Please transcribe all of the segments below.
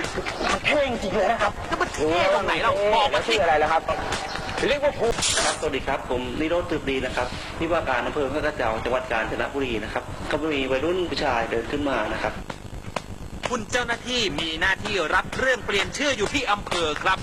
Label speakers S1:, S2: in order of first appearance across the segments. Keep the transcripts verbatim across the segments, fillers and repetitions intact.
S1: มันเท่จริงเลยนะครับ
S2: แล้วมันเท่ตรงไหนเราบอกมาชื่ออะไรแล้วครับเรียกว่าภู
S3: ครับสวัสดีครับผมนิโรธตืบดีนะครับที่ว่าการอำเภอพระกระเจ้าจังหวัดกาญจนบุรีนะครับก็มีวัยรุ่นผู้ชายเดินขึ้นมานะครับ
S2: คุณเจ้าหน้าที่มีหน้าที่รับเรื่องเปลี่ยนชื่ออยู่ที่อำเภอครับ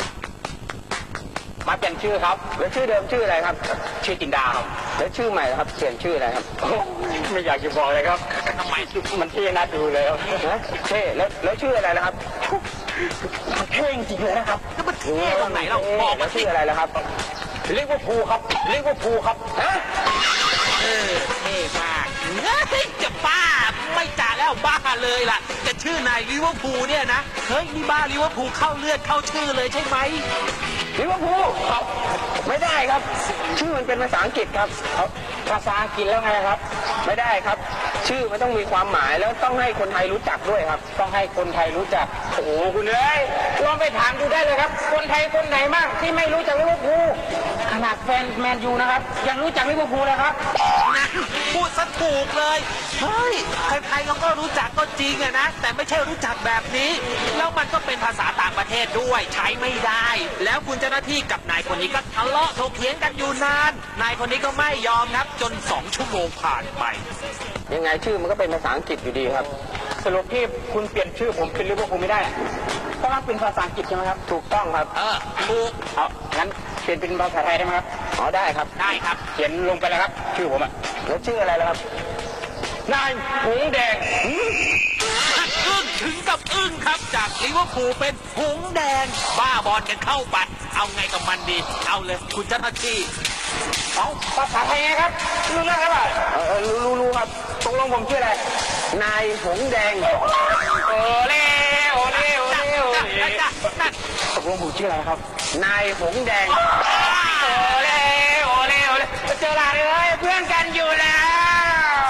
S2: มาเปลี่ยนชื่อครับแล้วชื่อเดิมชื่ออะไรครับชื่อจินดาครับแล้วชื่อใหม่ครับเปลี่ยนชื่ออะไรครับไม่อยากจะบอกเลยครับทำไมมันเท่น่าดูเลยครับเท่แล้วแล้วชื่ออะไรนะครับ
S1: มันเท่จริงเลยนะครับ
S2: แล้วมันเท่ตรงไหนเราบอกมา
S1: ชื่ออะไรแล้วครับเรียกว่าภูครับเรียกว่าภูครับฮะ
S2: เออเท่มากเฮ้ยจะบ้าไม่จ่าแล้วบ้าเลยล่ะจะชื่อนายลิเวอร์พูลเนี่ยนะเฮ้ยนี่บ้าลิเวอร์พูลเข้าเลือดเข้าชื่อเลยใช่ไหม
S1: ลิเวอร์พูลครับไม่ได้ครับชื่อมันเป็นภาษาอังกฤษครับภาษาอังกฤษแล้วไงครับไม่ได้ครับชื่อมันต้องมีความหมายแล้วต้องให้คนไทยรู้จักด้วยครับต้องให้คนไทยรู้จักโอ้โหคุณเอ้ยลองไปถามดูได้เลยครับคนไทยคนไหนบ้างที่ไม่รู้จักลิเวอร์พูลขนาดแฟนแมนยูนะครับยังรู้จักลิเวอร์พูลเลยครับ
S2: นะพูดซะถูกเลยเฮ้ยใครๆเขาก็รู้จักก็จริงอะนะแต่ไม่ใช่รู้จักแบบนี้แล้วมันก็เป็นภาษาต่างประเทศด้วยใช้ไม่ได้แล้วคุณเจ้าหน้าที่กับนายคนนี้ก็ทะเลาะถกเถียงกันอยู่นานนายคนนี้ก็ไม่ยอมครับจนสองชั่วโมงผ่านไป
S1: ยังไงชื่อมันก็เป็นภาษาอังกฤษอยู่ดีครับสรุปที่คุณเปลี่ยนชื่อผมเป็นลิเวอร์พูลไม่ได้เพราะว่าเป็นภาษาอังกฤษใช่ไหมครับถูกต้องครับ
S2: เออถูก
S1: เอางั้นเปลี่ยนเป็นภาษาไทยได้ไหมครับอ๋อได้ครับ
S2: ได้ครับ
S1: เขียนลงไปแล้วครับชื่อผมอะแล้วชื่ออะไรแล้วครับนายหงแดง
S2: อึ้งถึงกับอึ้งครับจากลิเวอร์พูลเป็นหงแดงบ้าบอลกันเข้าไปเอาไงกับมันดีเอาเลยคุณเจ้าหน้าที่
S1: เอาภาษาไทยไงครับรู้เรื่องครับเออรู้รู้รู้ครับตกลงผมชื่ออะไรนายหงแดงโอเล่โอเล่โอเล่โอเล่ตกลงผมชื่ออะไรครับนายหงแดงโอเล่โอเล่โอเล่เจอหลานเลยเพื่อนกันอยู่แล้ว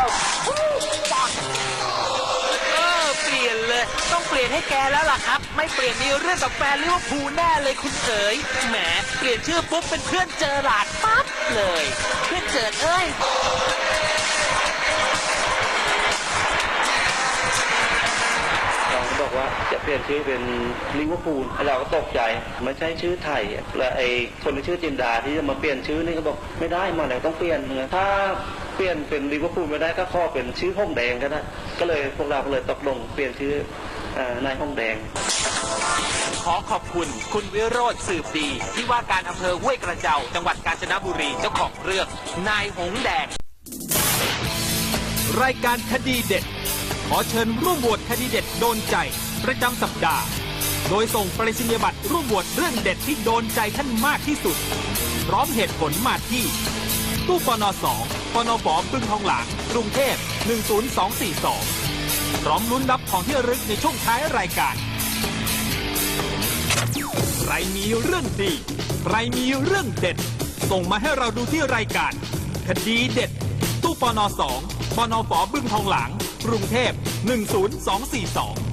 S2: เออเปลี่ยนเลยต้องเปลี่ยนให้แกแล้วล่ะครับไม่เปลี่ยนมีเรื่องกับแฟนลิเวอร์พูลแน่เลยคุณเอ๋ยแหมเปลี่ยนชื่อปุ๊บเป็นเพื่อนเจอหลาดปั๊บเลยเพื่อนเจิดเอ้ย
S3: เราก็บอกว่าจะเปลี่ยนชื่อเป็นลิเวอร์พูลเราก็ตกใจไม่ใช่ชื่อไทยและไอ้คนที่ชื่อจินดาที่จะมาเปลี่ยนชื่อนี่ก็บอกไม่ได้มาแล้วต้องเปลี่ยนถ้าเปลี่ยนเป็นลิเวอร์พูลไม่ได้ก็ขอเป็นชื่อห้องแดงก็ได้ก็เลยพวกเราก็เลยตกลงเปลี่ยนชื่อนายห้องแดง
S2: ขอขอบคุณคุณวิโรจน์สืบดีที่ว่าการอำเภอห้วยกระเจ้าจังหวัดกาญจนบุรีเจ้าของเรื่องนายหงแดงรายการคดีเด็ดขอเชิญร่วมโหวตคดีเด็ดโดนใจประจำสัปดาห์โดยส่งไปรษณียบัตรร่วมโหวตเรื่องเด็ดที่โดนใจท่านมากที่สุดพร้อมเหตุผลมาที่ตู้ปนสองปนฝบึงทองหลางกรุงเทพหนึ่งศูนย์สองสี่สองพร้อมลุ้นรับของที่ระลึกในช่วงท้ายรายการใครมีเรื่องดีใครมีเรื่องเด็ดส่งมาให้เราดูที่รายการคดีเด็ดตู้ปนสองปนฝบึงทองหลางกรุงเทพหนึ่งศูนย์สองสี่สอง